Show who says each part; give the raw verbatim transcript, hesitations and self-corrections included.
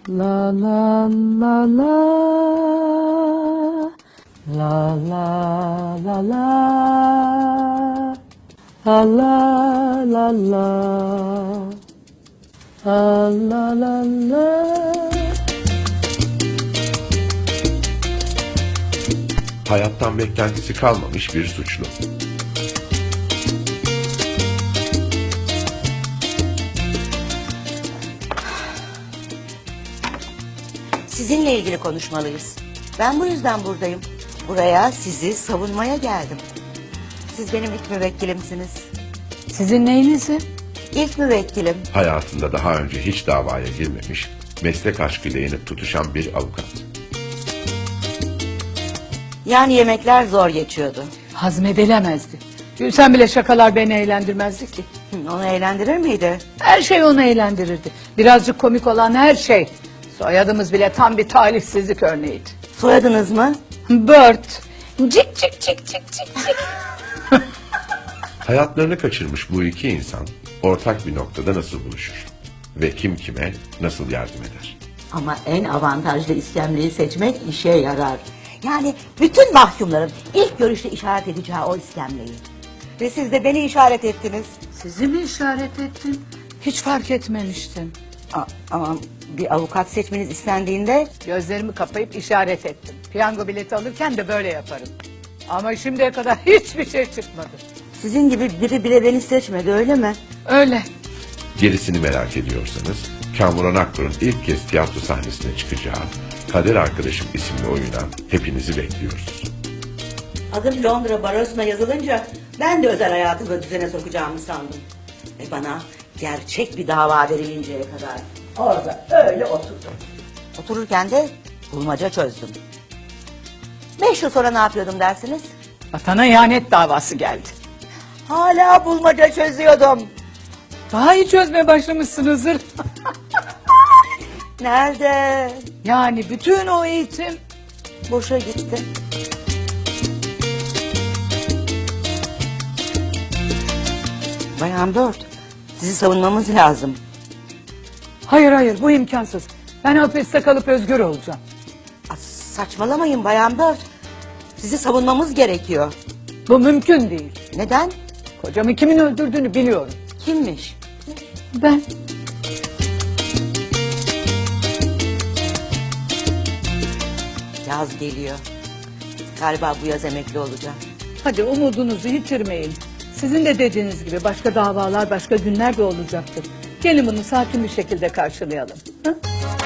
Speaker 1: La la la la la la la la la la la la la la la.
Speaker 2: Hayattan beklentisi kalmamış bir suçlu.
Speaker 3: Sizinle ilgili konuşmalıyız. Ben bu yüzden buradayım. Buraya sizi savunmaya geldim. Siz benim ilk müvekkilimsiniz.
Speaker 1: Sizin neyinizi?
Speaker 3: İlk müvekkilim.
Speaker 2: Hayatında daha önce hiç davaya girmemiş, meslek aşkıyla yenip tutuşan bir avukat.
Speaker 3: Yani yemekler zor geçiyordu.
Speaker 1: Hazmedilemezdi. Gülsen bile şakalar beni eğlendirmezdi ki.
Speaker 3: Hı, Onu eğlendirir miydi?
Speaker 1: Her şey onu eğlendirirdi. Birazcık komik olan her şey. Soyadımız bile tam bir talihsizlik örneğiydi.
Speaker 3: Soyadınız mı?
Speaker 1: Bird. Cik cik cik cik cik cik.
Speaker 2: Hayatlarını kaçırmış bu iki insan ortak bir noktada nasıl buluşur? Ve kim kime nasıl yardım eder?
Speaker 3: Ama en avantajlı iskemleyi seçmek işe yarar. Yani bütün mahkumların ilk görüşte işaret edeceği o iskemleyi. Ve siz de beni işaret ettiniz.
Speaker 1: Sizi mi işaret ettim? Hiç fark etmemiştim.
Speaker 3: A- Ama bir avukat seçmeniz istendiğinde
Speaker 1: Gözlerimi kapayıp işaret ettim. Piyango bileti alırken de böyle yaparım. Ama şimdiye kadar hiçbir şey çıkmadı.
Speaker 3: sizin gibi biri bile beni seçmedi, öyle mi?
Speaker 1: Öyle.
Speaker 2: Gerisini merak ediyorsanız, Kamuran Akkur'un ilk kez tiyatro sahnesine çıkacağı Kader Arkadaşım isimli oyuna hepinizi bekliyoruz.
Speaker 3: Adım Londra Baros'una yazılınca ben de özel hayatımı düzene sokacağımı sandım. Ve bana gerçek bir dava verilinceye kadar orada öyle oturdum. Otururken de bulmaca çözdüm. Beş yıl sonra ne yapıyordum dersiniz?
Speaker 1: Vatana ihanet davası geldi.
Speaker 3: Hala bulmaca çözüyordum.
Speaker 1: Daha iyi çözmeye başlamışsınızdır.
Speaker 3: Nerede?
Speaker 1: Yani bütün o eğitim
Speaker 3: Boşa gitti. Bayan Bird, sizi savunmamız lazım.
Speaker 1: hayır hayır bu imkansız. Ben hapiste kalıp özgür olacağım.
Speaker 3: Aa, Saçmalamayın Bayan Bird. Sizi savunmamız gerekiyor.
Speaker 1: Bu mümkün değil.
Speaker 3: Neden?
Speaker 1: Kocamı kimin öldürdüğünü biliyorum.
Speaker 3: Kimmiş?
Speaker 1: Ben.
Speaker 3: Yaz geliyor. Galiba bu yaz emekli olacağım.
Speaker 1: Hadi umudunuzu yitirmeyin. Sizin de dediğiniz gibi başka davalar, başka günler de olacaktır. Gelin bunu sakin bir şekilde karşılayalım. Hı?